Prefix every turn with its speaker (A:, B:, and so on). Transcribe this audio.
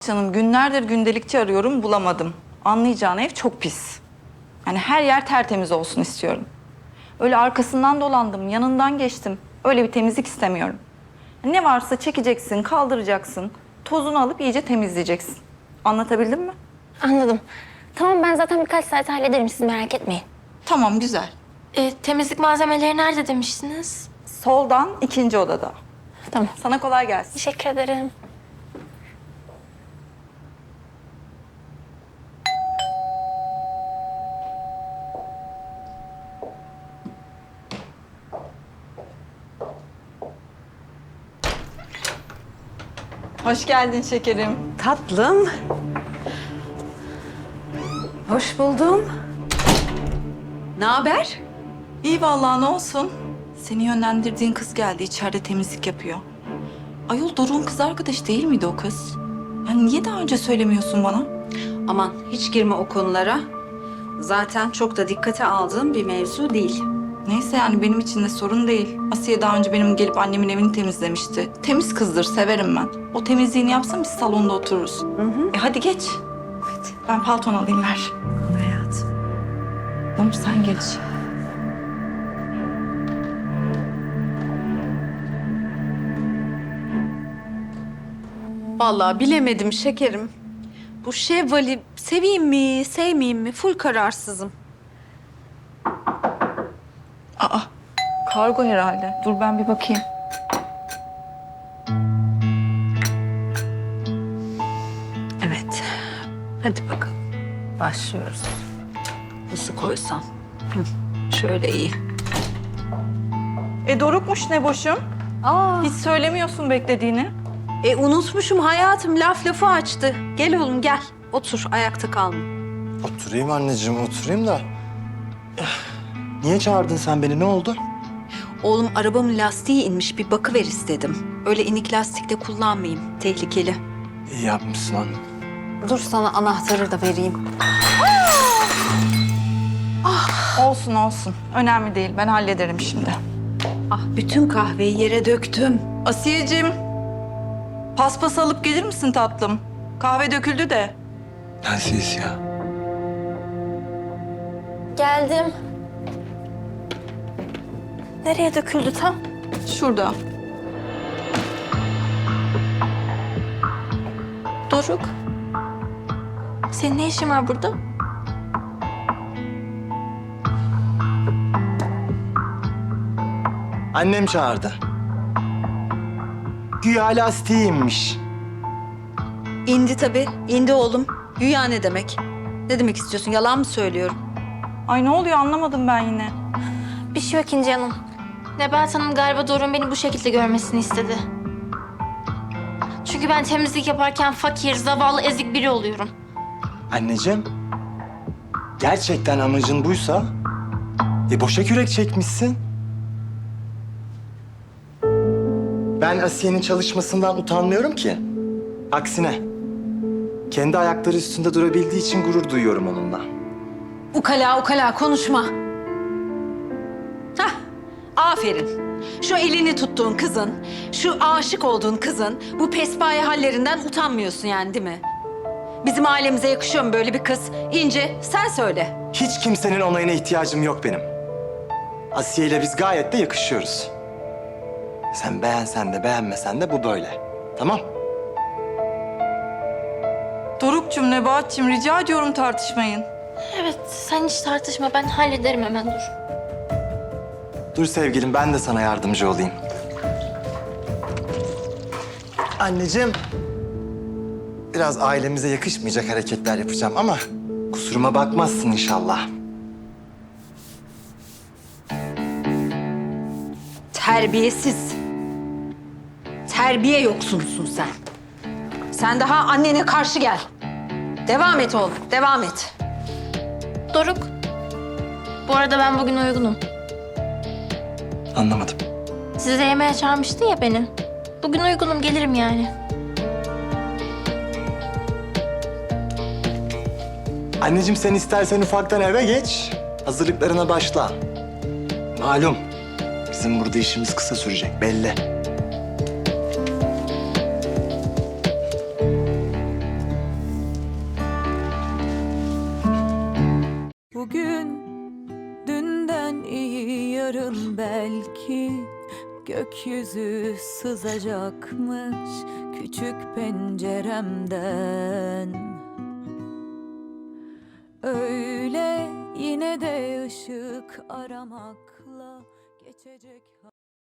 A: Canım günlerdir gündelikçi arıyorum bulamadım. Anlayacağın ev çok pis. Yani her yer tertemiz olsun istiyorum. Öyle arkasından dolandım, yanından geçtim. Öyle bir temizlik istemiyorum. Ne varsa çekeceksin, kaldıracaksın. Tozunu alıp iyice temizleyeceksin. Anlatabildim mi?
B: Anladım. Tamam, ben zaten birkaç saat hallederim, siz merak etmeyin.
A: Tamam, güzel.
B: Temizlik malzemeleri nerede demiştiniz?
A: Soldan ikinci odada.
B: Tamam.
A: Sana kolay gelsin.
B: Teşekkür ederim.
A: Hoş geldin şekerim.
C: Tatlım. Hoş buldum. Ne haber?
A: İyi vallahi, ne olsun. Seni yönlendirdiğin kız geldi, içeride temizlik yapıyor. Ayol, Doruk'un kız arkadaşı değil miydi o kız? Yani niye daha önce söylemiyorsun bana?
C: Aman hiç girme o konulara. Zaten çok da dikkate aldığım bir mevzu değil.
A: Neyse, yani benim için de sorun değil. Asiye daha önce benim gelip annemin evini temizlemişti. Temiz kızdır, severim ben. O temizliğini yapsam biz salonda otururuz. Hadi geç.
C: Hadi.
A: Ben palton alayım, ver.
C: Hayatım.
A: Tamam, sen geç.
C: Vallahi bilemedim şekerim. Bu Şevval'i seveyim mi, sevmeyeyim mi? Full kararsızım.
A: Aa, kargo herhalde. Dur ben bir bakayım.
C: Evet. Hadi bakalım. Başlıyoruz. Nasıl koysam? Şöyle iyi.
A: Dorukmuş ne boşum.
C: Aa.
A: Hiç söylemiyorsun beklediğini.
C: Unutmuşum hayatım. Lafı açtı. Gel oğlum gel. Otur. Ayakta kalma.
D: Oturayım anneciğim, oturayım da. Niye çağırdın sen beni, ne oldu?
C: Oğlum arabamın lastiği inmiş. Bir bakıver istedim. Öyle inik lastikle kullanmayayım. Tehlikeli.
D: İyi yapmışsın anne.
C: Dur sana anahtarı da vereyim.
A: Olsun olsun. Önemli değil. Ben hallederim şimdi.
C: Ah bütün kahveyi yere döktüm.
A: Asiyeciğim, paspas alıp gelir misin tatlım? Kahve döküldü de.
D: Nensiz ya.
B: Geldim. Nereye döküldü tam?
A: Şurada.
B: Doruk. Senin ne işin var burada?
D: Annem çağırdı. Güya lastiği inmiş.
C: İndi tabii. İndi oğlum. Güya ne demek? Ne demek istiyorsun? Yalan mı söylüyorum?
A: Ay ne oluyor, anlamadım ben yine.
B: Bir şey yok İnci Hanım. Nebahat Hanım galiba Doruk'un beni bu şekilde görmesini istedi. Çünkü ben temizlik yaparken fakir, zavallı, ezik biri oluyorum.
D: Anneciğim, gerçekten amacın buysa... boşa kürek çekmişsin. Ben Asiye'nin çalışmasından utanmıyorum ki. Aksine, kendi ayakları üstünde durabildiği için gurur duyuyorum onunla.
C: Ukala konuşma. Hah, aferin. Şu elini tuttuğun kızın, şu aşık olduğun kızın bu pespaye hallerinden utanmıyorsun yani değil mi? Bizim ailemize yakışıyor mu böyle bir kız? İnce, sen söyle.
D: Hiç kimsenin onayına ihtiyacım yok benim. Asiye ile biz gayet de yakışıyoruz. Sen beğensen de beğenmesen de bu böyle. Tamam?
A: Doruk'cum, Nebahat'cığım, rica ediyorum tartışmayın.
B: Evet, sen hiç tartışma. Ben hallederim hemen, dur.
D: Dur sevgilim, ben de sana yardımcı olayım. Anneciğim, biraz ailemize yakışmayacak hareketler yapacağım ama kusuruma bakmazsın inşallah.
C: Terbiyesiz. Terbiye yoksunsun sen. Sen daha annene karşı gel. Devam et oğlum, devam et.
B: Doruk. Bu arada ben bugün uygunum.
D: Anlamadım.
B: Size yemeğe çağırmıştın ya beni. Bugün uygunum, gelirim yani.
D: Anneciğim sen istersen ufaktan eve geç, hazırlıklarına başla. Malum, bizim burada işimiz kısa sürecek belli.
E: iyi yarın belki gökyüzü sızacakmış küçük penceremden. Öyle yine de ışık aramakla geçecek.